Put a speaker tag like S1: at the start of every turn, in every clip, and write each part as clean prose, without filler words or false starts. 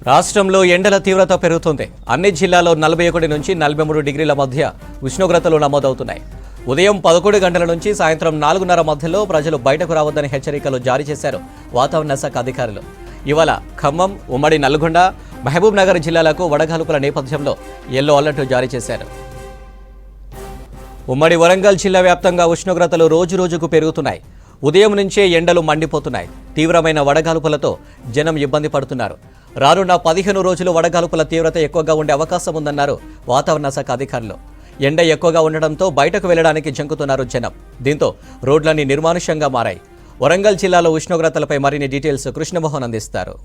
S1: రాష్ట్రంలో ఎండల తీవ్రత పెరుగుతుంది. అన్ని జిల్లాల్లో 41 నుంచి 43 డిగ్రీల మధ్య ఉష్ణోగ్రతలు నమోదవుతున్నాయి. ఉదయం 11 గంటల నుంచి సాయంత్రం 4:30 మధ్యలో ప్రజలు బయటకు రావద్దని హెచ్చరికలు జారీ చేశారు వాతావరణ శాఖ అధికారులు. ఇవాళ ఖమ్మం, ఉమ్మడి నల్గొండ, మహబూబ్ నగర్ జిల్లాలకు వడగాల్పుల నేపథ్యంలో యెల్లో అలర్ట్ జారీ చేశారు. ఉమ్మడి వరంగల్ జిల్లా వ్యాప్తంగా ఉష్ణోగ్రతలు రోజురోజుకు పెరుగుతున్నాయి. ఉదయం నుంచే ఎండలు మండిపోతున్నాయి. తీవ్రమైన వడగాల్పులతో జనం ఇబ్బంది పడుతున్నారు. రానున్న 15 రోజులు వడగాల్పుల తీవ్రత ఎక్కువగా ఉండే అవకాశం ఉందన్నారు వాతావరణ శాఖ అధికారులు. ఎండ ఎక్కువగా ఉండడంతో బయటకు వెళ్లడానికి జంకుతున్నారు జనం. దీంతో రోడ్లన్నీ నిర్మానుష్యంగా మారాయి. వరంగల్ జిల్లాలో ఉష్ణోగ్రతలపై మరిన్ని డీటెయిల్స్ కృష్ణమోహన్ అందిస్తారు.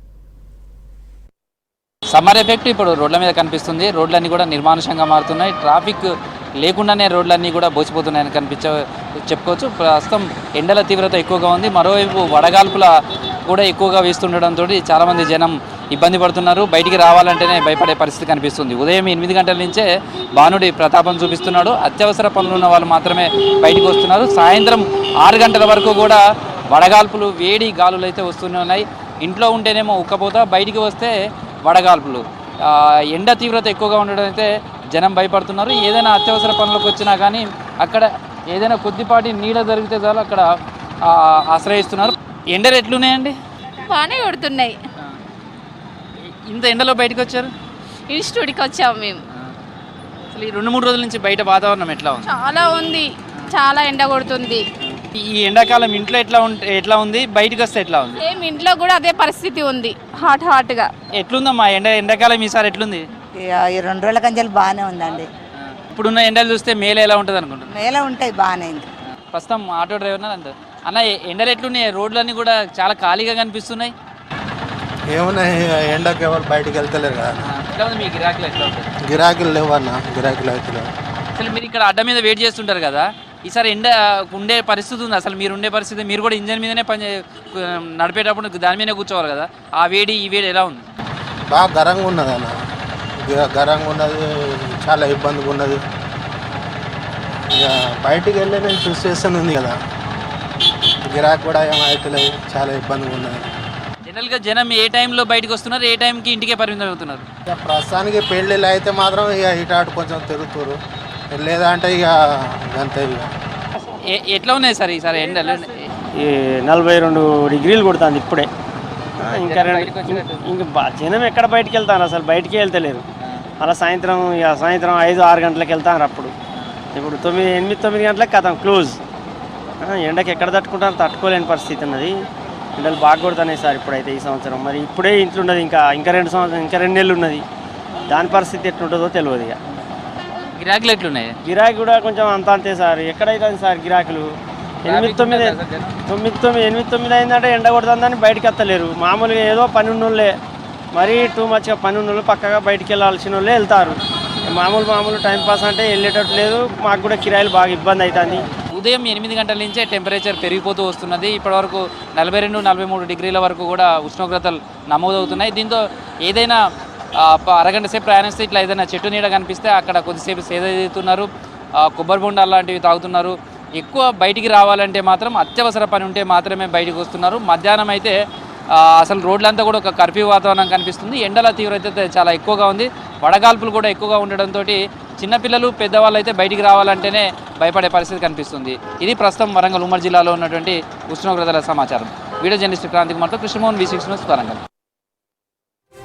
S2: సమ్మర్ ఎఫెక్ట్ ఇప్పుడు రోడ్ల మీద కనిపిస్తుంది. రోడ్లన్నీ కూడా నిర్మానుషంగా మారుతున్నాయి. ట్రాఫిక్ లేకుండానే రోడ్లన్నీ కూడా బోసిపోతున్నాయని చెప్పుకోవచ్చు. ప్రస్తుతం ఎండల తీవ్రత ఎక్కువగా ఉంది. మరోవైపు వడగాల్పుల కూడా ఎక్కువగా వీస్తుండడంతో చాలామంది జనం ఇబ్బంది పడుతున్నారు. బయటికి రావాలంటేనే భయపడే పరిస్థితి కనిపిస్తుంది. ఉదయం 8 గంటల నుంచే భానుడి ప్రతాపం చూపిస్తున్నాడు. అత్యవసర పనులు ఉన్న వాళ్ళు మాత్రమే బయటికి వస్తున్నారు. సాయంత్రం 6 గంటల వరకు కూడా వడగాల్పులు, వేడి గాలులు అయితే వస్తూనే ఉన్నాయి. ఇంట్లో ఉంటేనేమో ఉక్కపోత, బయటికి వస్తే వడగాల్పులు. ఎండ తీవ్రత ఎక్కువగా ఉండడం అయితే జనం భయపడుతున్నారు. ఏదైనా అత్యవసర పనులకు వచ్చినా కానీ అక్కడ ఏదైనా కొద్దిపాటి నీడ జరిగితే చాలు అక్కడ ఆశ్రయిస్తున్నారు. ఎండలు ఎట్లున్నాయండి?
S3: బాగానే కొడుతున్నాయి.
S2: ఇంత ఎండలో బయటకు వచ్చారు?
S3: ఇన్స్టిట్యూట్కి వచ్చాము మేము.
S2: అసలు ఈ 2-3 రోజుల నుంచి బయట వాతావరణం ఎట్లా ఉంది?
S3: చాలా ఉంది, చాలా ఎండ కొడుతుంది.
S2: ఈ ఎండాకాలం ఇంట్లో ఎట్లా ఉంది, బయటకు వస్తే ఎట్లా ఉంది?
S3: సేమ్ ఇంట్లో కూడా అదే పరిస్థితి ఉంది, హాట్గా.
S2: ఎట్లుందమ్మా ఎండాకాలం ఈసారి ఎట్లుంది?
S4: ఈ 2 రోజుల కంచెలు బాగానే ఉందండి.
S2: ఇప్పుడున్న ఎండలు చూస్తే మేలో ఎలా ఉంటుంది అనుకుంటున్నాను?
S4: మేలో ఉంటాయి బాగానే.
S2: ప్రస్తుతం ఆటో డ్రైవర్ అంత అన్న, ఎండలు ఎట్లున్నాయి? రోడ్లన్నీ కూడా చాలా ఖాళీగా కనిపిస్తున్నాయి.
S5: ఏమున్నాయి, ఎండకి ఎవరు బయటకు వెళ్తలేరు కదా.
S2: ఎట్లా ఉంది మీ గిరాకీలు? ఎట్లా ఉంటుంది?
S5: గిరాకీలు లేవు అన్న, గిరాకీలు అయితే లేవు.
S2: అసలు మీరు ఇక్కడ అడ్డ మీద వెయిట్ చేస్తుంటారు కదా, ఈసారి ఎండ ఉండే పరిస్థితి ఉంది? అసలు మీరు ఉండే పరిస్థితి, మీరు కూడా ఇంజన్ మీదనే నడిపేటప్పుడు దాని మీదనే కూర్చోవాలి కదా. ఆ వేడి ఈ వేడి ఎలా ఉంది?
S5: బాగా గరంగా ఉన్నది అన్న, గరంగా ఉన్నది, చాలా ఇబ్బందిగా ఉన్నది. ఇక బయటికి వెళ్ళే సిచ్యువేషన్ ఉంది కదా, గిరాకీ కూడా ఏమైతలేదు, చాలా ఇబ్బందిగా ఉన్నది.
S2: జనరల్గా జనం ఏ టైంలో బయటకు వస్తున్నారు, ఏ టైంకి ఇంటికే పరిమితం అవుతున్నారు?
S5: ఇక ప్రస్తుతానికి పెళ్ళిళ్ళు అయితే మాత్రం ఇక ఇటు అటు కొంచెం తిరుగుతారు, లేదా అంటే ఇక అంతే. ఇక
S2: ఎట్లా ఉన్నాయి సార్ ఈసారి ఎండలు?
S6: 42 డిగ్రీలు కొడుతుంది ఇప్పుడే. ఇంకా జనం ఎక్కడ బయటికి వెళ్తారు? అసలు బయటికి వెళ్తలేరు. అలా సాయంత్రం 5-6 గంటలకు వెళ్తారు. అప్పుడు ఇప్పుడు 8-9 గంటలకు కథం క్లోజ్. ఎండకి ఎక్కడ తట్టుకుంటారో తట్టుకోలేని పరిస్థితి ఉన్నది. ఎండలు బాగా కొడుతున్నాయి సార్ ఇప్పుడైతే ఈ సంవత్సరం. మరి ఇప్పుడే ఇంట్లో ఉన్నది, ఇంకా 2 నెలలు ఉన్నది. దాని పరిస్థితి ఎట్లుంటుందో తెలియదు. ఇక
S2: గిరాకీలు ఎట్లున్నాయి?
S6: గిరాకీ కూడా కొంచెం అంతే సార్. ఎక్కడైతుంది సార్ గిరాకీలు? 8-9 అయిందంటే ఎండ కొడుతుందని బయటకు వస్తలేరు. మామూలుగా ఏదో పని ఉన్నోళ్ళే, మరీ టూ మచ్గా పని ఉన్నోళ్ళు పక్కగా బయటికి వెళ్ళాల్సిన వాళ్ళే వెళ్తారు. మామూలు టైంపాస్ అంటే వెళ్ళేటట్టు లేదు. మాకు కూడా కిరాయిలు బాగా ఇబ్బంది అవుతుంది.
S2: ఉదయం 8 గంటల నుంచే టెంపరేచర్ పెరిగిపోతూ వస్తున్నది. ఇప్పటివరకు 42-43 డిగ్రీల వరకు కూడా ఉష్ణోగ్రతలు నమోదవుతున్నాయి. దీంతో ఏదైనా అరగంట సేపు ప్రయాణిస్తే ఇట్లా ఏదైనా చెట్టు నీడ కనిపిస్తే అక్కడ కొద్దిసేపు సేద తీస్తున్నారు, కొబ్బరి బొండాలు లాంటివి తాగుతున్నారు. ఎక్కువ బయటికి రావాలంటే మాత్రం అత్యవసర పని ఉంటే మాత్రమే బయటకు వస్తున్నారు. మధ్యాహ్నం అయితే అసలు రోడ్లంతా కూడా ఒక కర్ఫ్యూ వాతావరణం కనిపిస్తుంది. ఎండల తీవ్రత చాలా ఎక్కువగా ఉంది. వడగాల్పులు కూడా ఎక్కువగా ఉండడంతో చిన్నపిల్లలు, పెద్దవాళ్ళు అయితే బయటికి రావాలంటేనే భయపడే పరిస్థితి కనిపిస్తుంది. ఇది ప్రస్తుతం వరంగల్ ఉమ్మడి జిల్లాలో ఉన్నటువంటి ఉష్ణోగ్రతల సమాచారం. వీడియో జర్నలిస్ట్ క్రాంతి కుమార్తో కృష్ణమోహన్, V6 న్యూస్, వరంగల్.